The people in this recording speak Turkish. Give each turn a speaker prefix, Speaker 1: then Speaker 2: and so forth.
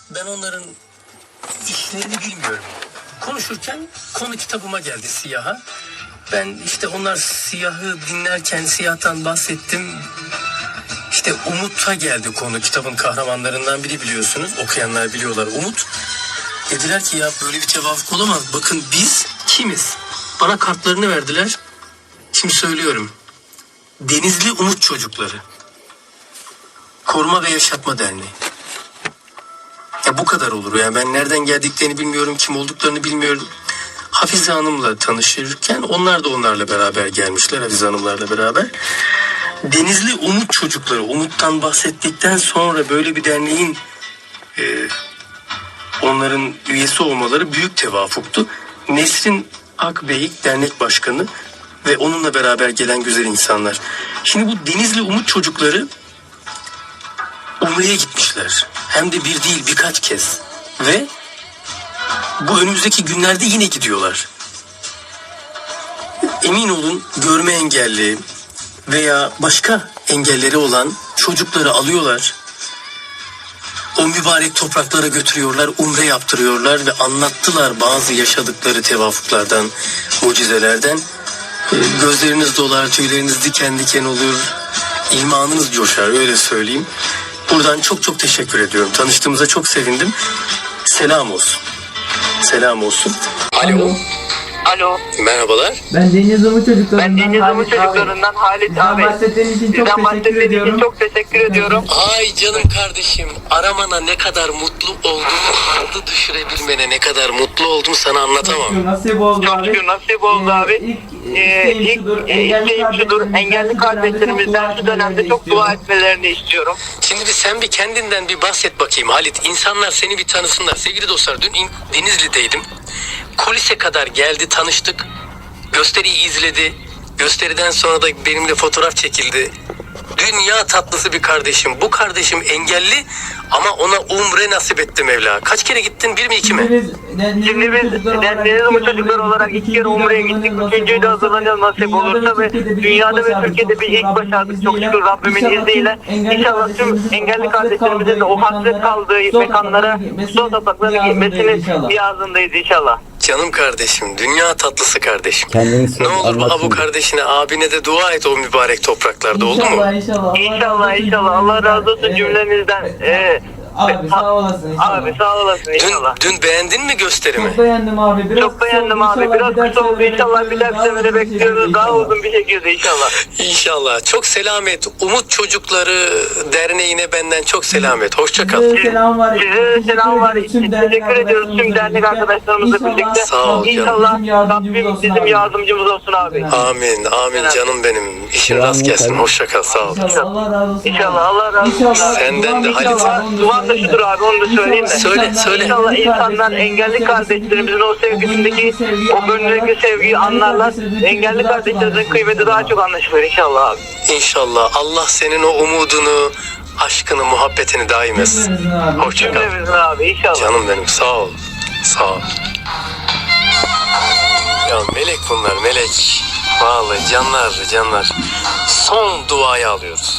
Speaker 1: Ben onların işlerini bilmiyorum. Konuşurken konu kitabıma geldi Siyah'a. Ben işte onlar Siyah'ı dinlerken Siyah'tan bahsettim. İşte Umut'a geldi konu, kitabın kahramanlarından biri biliyorsunuz. Okuyanlar biliyorlar Umut. Dediler ki ya böyle bir tevafuk olamaz. Bakın biz kimiz? Bana kartlarını verdiler. Şimdi söylüyorum. Denizli Umut Çocukları. Koruma ve Yaşatma Derneği. Ya bu kadar olur. Yani ben nereden geldiklerini bilmiyorum, kim olduklarını bilmiyorum. Hafize Hanım'la tanışırken onlar da onlarla beraber gelmişler, Hafize Hanım'larla beraber. Denizli Umut Çocukları, Umut'tan bahsettikten sonra böyle bir derneğin onların üyesi olmaları büyük tevafuktu. Nesrin Akbeyik dernek başkanı ve onunla beraber gelen güzel insanlar. Şimdi bu Denizli Umut Çocukları Umre'ye gitmişler. Hem de bir değil birkaç kez. Ve bu önümüzdeki günlerde yine gidiyorlar. Emin olun görme engelli veya başka engelleri olan çocukları alıyorlar. O mübarek topraklara götürüyorlar, umre yaptırıyorlar ve anlattılar bazı yaşadıkları tevafuklardan, mucizelerden. Gözleriniz dolar, tüyleriniz diken diken olur, imanınız coşar, öyle söyleyeyim. Buradan çok çok teşekkür ediyorum. Tanıştığımıza çok sevindim. Selam olsun. Selam olsun. Alo.
Speaker 2: Alo.
Speaker 1: Merhabalar.
Speaker 3: Ben Deniz Umut Çocuklarından
Speaker 2: Halit abi.
Speaker 3: bahsettiğiniz için çok teşekkür ediyorum.
Speaker 2: Çok teşekkür ediyorum.
Speaker 1: Ay canım kardeşim, aramana ne kadar mutlu olduğumu, adı düşürebilmene ne kadar mutlu oldum sana anlatamam.
Speaker 3: Nasip oldu
Speaker 2: Çok
Speaker 3: abi.
Speaker 2: şükür nasip oldu abi. İlk isteğim şudur. Engelli kardeşlerimizden şu dönemde çok dua etmelerini istiyorum.
Speaker 1: Şimdi sen bir kendinden bir bahset bakayım Halit. İnsanlar seni bir tanısınlar. Sevgili dostlar, dün Denizli'deydim. Kulise kadar geldi, tanıştık. Gösteriyi izledi. Gösteriden sonra da benimle fotoğraf çekildi. Dünya tatlısı bir kardeşim. Bu kardeşim engelli ama ona umre nasip etti Mevla. Kaç kere gittin? Bir mi iki mi?
Speaker 2: Şimdi biz Deniz Umut Çocukları olarak 2 kere Umre'ye gittik. 3.'yü de hazırlanacağız nasip olursa ve dünyada ve Türkiye'de bir ilk başardık. Çok şükür Rabbimin izniyle. İnşallah tüm engelli kardeşlerimizin de o hasret kaldığı mekanlara, son topraklarına gitmesini niyazındayız inşallah.
Speaker 1: Canım kardeşim, dünya tatlısı kardeşim.
Speaker 4: Kendini
Speaker 1: Ne olur bu kardeşine, abine de dua et o mübarek topraklarda, oldu mu?
Speaker 2: İnşallah. Allah razı olsun cümlenizden.
Speaker 3: Abi sağ olasın inşallah.
Speaker 2: Abi sağ olasın inşallah.
Speaker 1: Dün beğendin mi gösterimi?
Speaker 3: Çok beğendim abi.
Speaker 2: Çok beğendim abi. Biraz kısa oldu inşallah bir dahaki sefere bekliyoruz. Daha uzun bir şekilde inşallah.
Speaker 1: İnşallah. Çok selam et. Umut Çocukları Derneği'ne benden çok selam et. Hoşça kal.
Speaker 3: Size selam var.
Speaker 2: Size de selam var. Teşekkür ediyoruz tüm dernek arkadaşlarımızla birlikte.
Speaker 1: Sağ ol canım.
Speaker 2: İnşallah Rabbim bizim yardımcımız olsun abi.
Speaker 1: Amin. Amin canım benim. İşin rast gelsin. Hoşça kal. Sağ ol.
Speaker 3: Allah razı olsun.
Speaker 2: İnşallah Allah razı olsun.
Speaker 1: Senden de Halit.
Speaker 2: Duam da şudur abi onu da söyleyeyim mi?
Speaker 1: Söyle.
Speaker 2: İnşallah insanlar engelli kardeşlerimizin o sevgisindeki, o gönlündeki sevgiyi anlarlar. Engelli kardeşlerimizin kıymeti daha çok anlaşılır inşallah abi.
Speaker 1: İnşallah. Allah senin o umudunu, aşkını, muhabbetini daim etsin. Hoşça kal.
Speaker 2: Cümlemizin abi inşallah.
Speaker 1: Canım benim. Sağ ol. Sağ ol. Ya melek bunlar, melek. Vallahi canlar. Son duayı alıyoruz.